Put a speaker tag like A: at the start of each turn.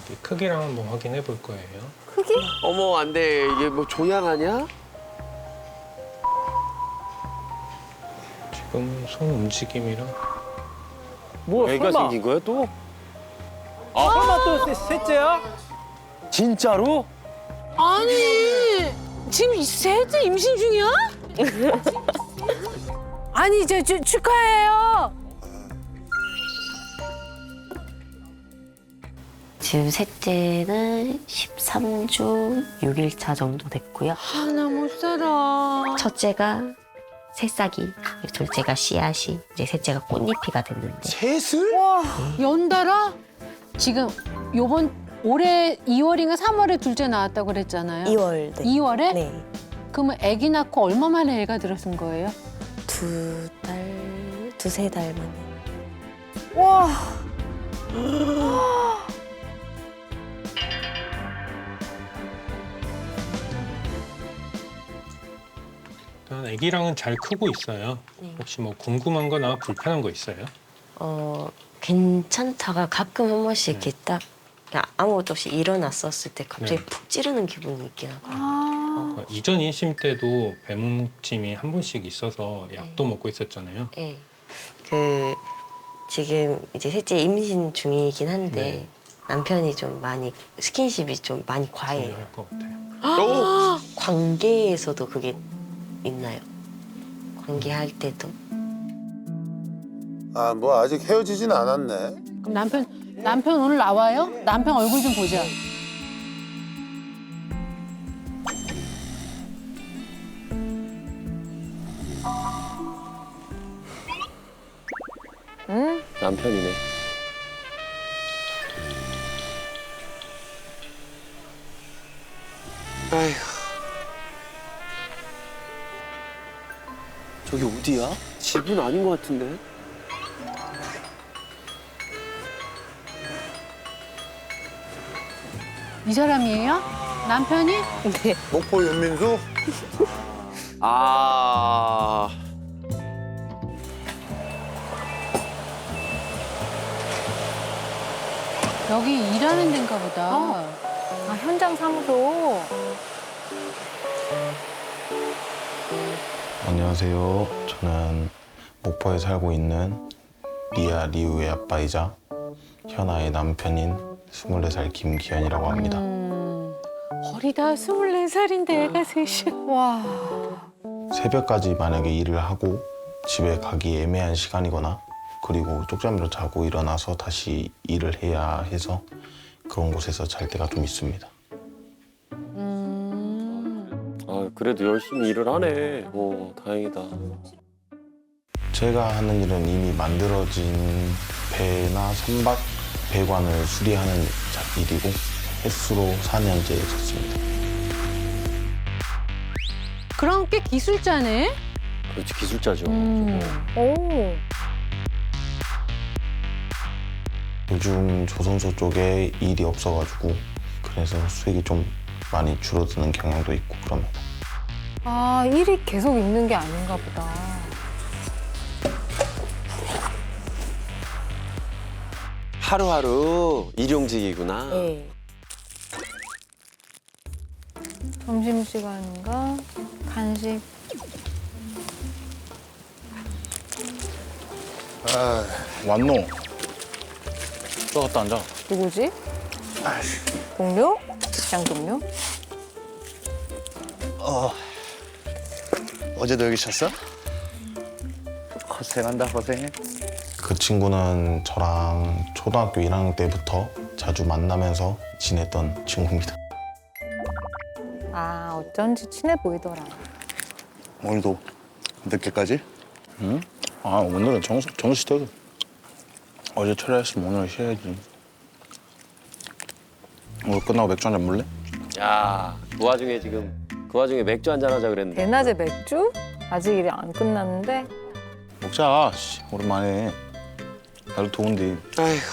A: 이 크기랑 한번 확인해 볼 거예요.
B: 크기?
C: 어머, 안 돼. 이게 뭐 조향하냐?
A: 지금 손 움직임이랑
B: 뭐
C: 애가
B: 설마?
C: 생긴 거야, 또?
B: 설마 또 셋째야?
C: 진짜로?
D: 아니 지금 셋째 임신 중이야? 아니 이제 축하해요.
E: 지금 셋째는 13주 6일차 정도 됐고요.
D: 하나 못 살아.
E: 첫째가 새싹이, 둘째가 씨앗이, 이제 셋째가 꽃잎이가 됐는데
C: 셋을?
D: 와 연달아? 지금 요번 올해 2월인가 3월에 둘째 나왔다고 그랬잖아요.
F: 2월. 네.
D: 2월에?
F: 네.
D: 그러면 아기 낳고 얼마 만에 애가 들어선 거예요?
F: 두세 달 만에.
D: 와.
A: 일단 아기랑은 잘 크고 있어요. 혹시 뭐 궁금한 거나 불편한 거 있어요?
E: 괜찮다가 가끔 한 번씩 이렇게 딱 그냥 아무것도 없이 일어났었을 때 갑자기 푹 찌르는 기분이 있긴 하거든요.
A: 이전 임신 때도 배문침이 한 번씩 있어서 약도 먹고 있었잖아요.
E: 네. 지금 이제 셋째 임신 중이긴 한데
A: 네.
E: 남편이 좀 많이 스킨십이 좀 많이 과해요.
A: 중요할 것 같아요.
E: 관계에서도 그게 있나요? 관계할 때도?
G: 아, 뭐 아직 헤어지진 않았네.
D: 그럼 남편 오늘 나와요? 남편 얼굴 좀 보자.
C: 남편이네. 아휴. 저기 어디야? 집은 아닌 것 같은데?
D: 이 사람이에요? 남편이?
G: 목포 윤민수?
C: 아.
D: 여기 일하는 데인가 보다.
B: 아, 현장 사무소.
H: 안녕하세요. 저는 목포에 살고 있는 리아 리우의 아빠이자 현아의 남편인 24살 김기현이라고 합니다.
D: 어리다 24살인데 애가 셋이. 와.
H: 새벽까지 만약에 일을 하고 집에 가기 애매한 시간이거나 그리고 쪽잠을 자고 일어나서 다시 일을 해야 해서 그런 곳에서 잘 때가 좀 있습니다.
C: 아, 그래도 열심히 일을 하네. 오, 다행이다.
H: 제가 하는 일은 이미 만들어진 배나 선박, 배관을 수리하는 일이고 횟수로 4년째 졌습니다.
D: 그럼 꽤 기술자네?
C: 그렇지, 기술자죠.
B: 오.
H: 요즘 조선소 쪽에 일이 없어가지고 그래서 수익이 좀 많이 줄어드는 경향도 있고 그럽니다.
B: 아, 일이 계속 있는 게 아닌가 보다.
C: 하루하루 일용직이구나.
F: 네.
B: 점심시간인가? 간식.
G: 아,
H: 왔노? 또 갔다 앉아.
B: 누구지? 동료? 직장 동료?
G: 어제도 여기 잤어? 고생한다, 고생해.
H: 그 친구는 저랑 초등학교 1학년 때부터 자주 만나면서 지냈던 친구입니다.
B: 아, 어쩐지 친해 보이더라.
G: 오늘도 늦게까지?
H: 응? 아 오늘은 정시되고 어제 철회했으면 오늘 쉬어야지. 오늘 끝나고 맥주 한잔 물래?
C: 야, 그 와중에 맥주 한잔 하자 그랬는데.
B: 대낮에 맥주? 아직 일이 안 끝났는데.
H: 먹자. 씨, 오랜만에. 날도 더운데.
C: 아이고.